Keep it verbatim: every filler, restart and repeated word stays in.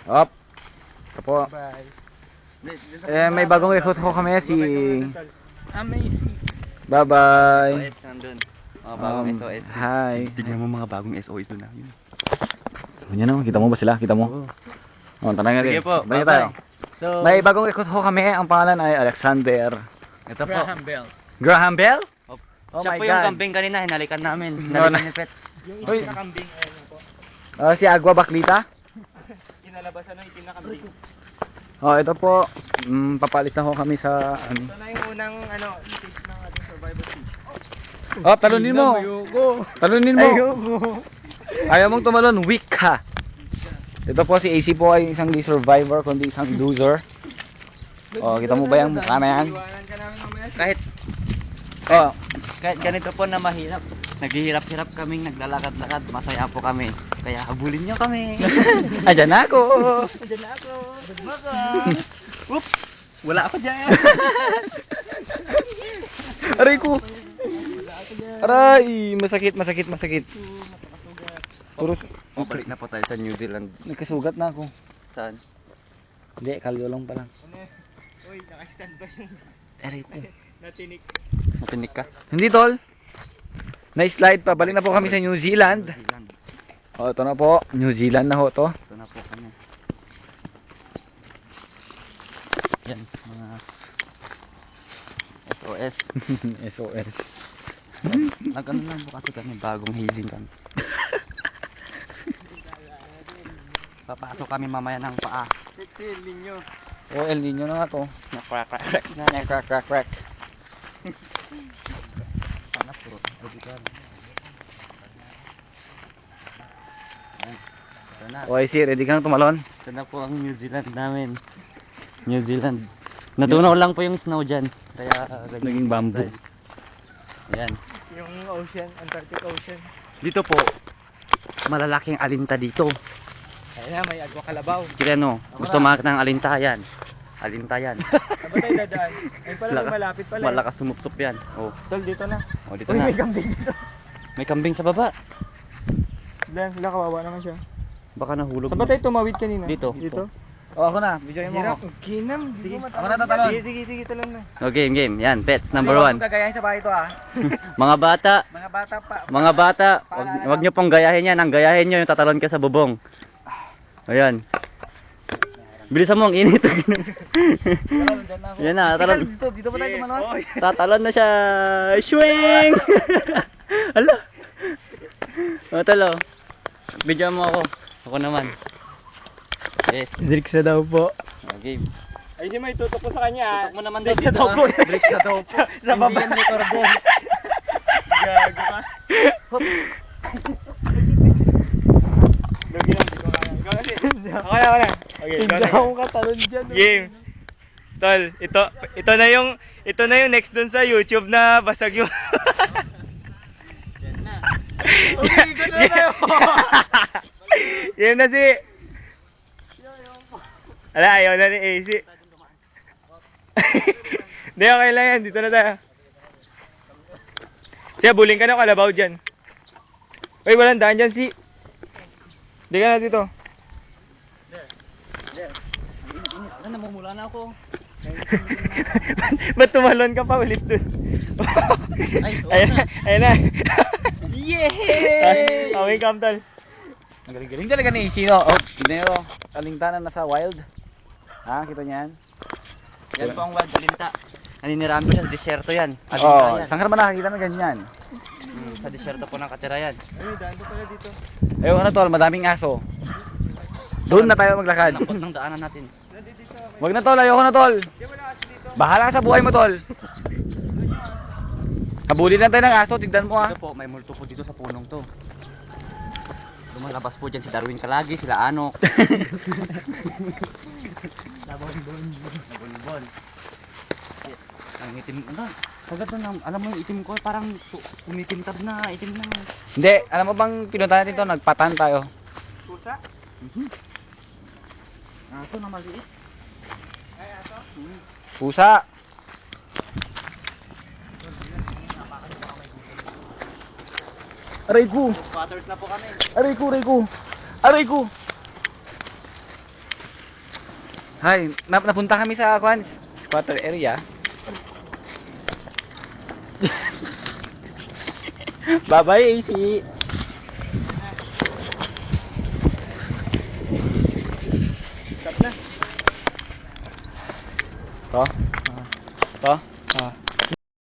Op. Ito po. Bye. Eh, may bagong recruit ko kami, si... Amazing. Bye-bye. S O S nandun. Mga bagong Um, S O S. Hi. Tignan mo mga bagong S O S doon na. Yun. Yan o, kita mo ba sila? Kita mo? Oh, tanong natin. Sige po, Tanong bye-bye. tayo. So, May bagong recruit ko kami. Ang pangalan ay Alexander. ito po. Graham Bell. Graham Bell? Oh Siya my po yung God. kambing kanina, hinalikan namin. No, Hinalikan no. ni Pet. Yung Uy. itim na kambing, ayun na po. Ah, si Agua Baklita. Kinalabasan ng itim na kambing. Oh, ito po. Mm, papalit na ho kami sa ano. Ito na yung unang ano, stage ng ating survival stage. Oh, talunin mo. Ayoko. Talunin mo. Ayoko. Ayaw mong tumalon, weak ka. Ito po si A C po ay isang di survivor kundi isang loser. Oh, kita mo ba yung mukha na yan? Iwanan ka namin mamaya. Kahit, Oh, kahit ganito po na mahirap, naghihirap-hirap kaming naglalakad-lakad, masaya po kami. Kaya habulin nyo kami. ayan na ako. Diyan na ako. Baka. Whoop! Wala ako dyan. Aray ko. Aray, masakit, masakit, masakit. Puro O, balik na po tayo sa New Zealand. nagkasugat na ako. Saan? Hindi, kalyo lang pala. Ano eh? Uy, naka-stand ba yung Erit. natinik? Matinik ka. Hindi tol. Na-slide pa. Balik na po kami sa New Zealand. New Zealand. Oh, ito na po. New Zealand na ho to. Ito na po kami. Yan, mga S O S. S O S. Nag-ano lang po kasi kami, bagong hazing kami. Papasok kami mamaya ng paa. fifteen ninyo. Oh, El Nino na nga to. Na-crack-cracks na. Crack, crack, crack, crack. Sana puro budikan. Yan. Ito na. O, I see. Ready ka na tumalon? Ito na po ang New Zealand namin. New Zealand. Natunaw lang po yung snow dyan. Kaya ganyan Naging po bamboo. style. Yan. Yung ocean, Antarctic Ocean. Dito po, malalaking alinta dito. Ayun na, may agwa kalabaw. Kaya no, gusto makita ng alinta yan. Alinta yan. Saan ba tayo dadaan? Ay pala, may malapit pala. eh. Malakas sumupsup yan. Oh, Tol, dito na. oh dito Uy, na. may kambing dito. May kambing sa baba. Wala, wala, kawawa naman siya. Baka nahulog. Saan ba tayo tumawid kanina? Dito. Dito? Oh, ako na. Videoin mo Hirap. ako. Ginam, Sige, sige. ako na tatalon. Sige, sige, sige, talon na. Oh, game, game. Yan, pets, number Hindi ko one. gagayahin sa bahay ito ah. Mga bata, Mga bata pa. mga bata, wag, wag nyo pong gayahin yan. Ang gayahin nyo yung tatalon ka sa bubong. Ayan. Bilisan mo, ang init. Talon, dyan na ako. Yan na, talon. Dito, dito ba tayo tumalon? Tatalon na siya. Swing! Hala. O, talo. Bigyan mo ako. Ako naman. Yes. Drix na daw po. O, game. Ay, si may tutok po sa kanya. ah. Tutok mo naman Drix daw na daw dito, po. ah. Drix na daw po. Sa, sa baba. Hindi yan recorder. Gago ka. Lugi lang, di ko kaya. Ikaw kasi. Ako na, ako na. Okay, ikaw na. Hindi katalon dyan. Game. Tol, ito, ito na yung, ito na yung next dun sa YouTube na basag yung... Game na si... Ala, ayaw na ni A C. Hindi, okay lang yan. Dito na tayo. Siya, buling ka ng kalabaw dyan. Uy, walang daan dyan si... Hindi ka na dito. Ano, namumula na ako. Ba't tumalon ka pa ulit dun? Ay, oo Ayan na, na. ayan na. Yay! Okay, Kamtal. Ang galing-galing talaga ni Isino. Oh, tignan nyo. Alingtanan na sa wild. Ha, kita niyan? Yan po ang wild alinta. Naninirahan ko siya sa disyerto yan. Alinta Oh, yan. saan ka naman nakakita ng ganyan? Hmm, sa disyerto po nakatira yan. Ay, daan ko pala dito. Ayun, ano tol, madaming aso. Doon na tayo maglakad. Nakot ng daanan natin. Nandito dito. Wag na tol, ayoko na tol. Di wala kasi dito. Bahala ka sa buhay mo tol. Habulin lang tayo ng aso, tignan mo ha. Ito po, may multo po dito sa punong to. Lumalabas po dyan si Darwin Kalagi, sila Anok. Labon-bon. Labon-bon. Ang itim, ano? Sagad na, alam mo yung itim ko, parang tu- kumikintab na, itim na. Hindi, alam mo bang pinuntahan dito, nagpatan tayo. Pusa? Mhm. Aso na maliit. Ay, ato? Pusa. Aray ko, Squatters na po kami. aray ko, aray ko. Aray ko. Hi, nap napunta kami sa kwan, squatter area. Bye-bye, A C. Stop na. To? To?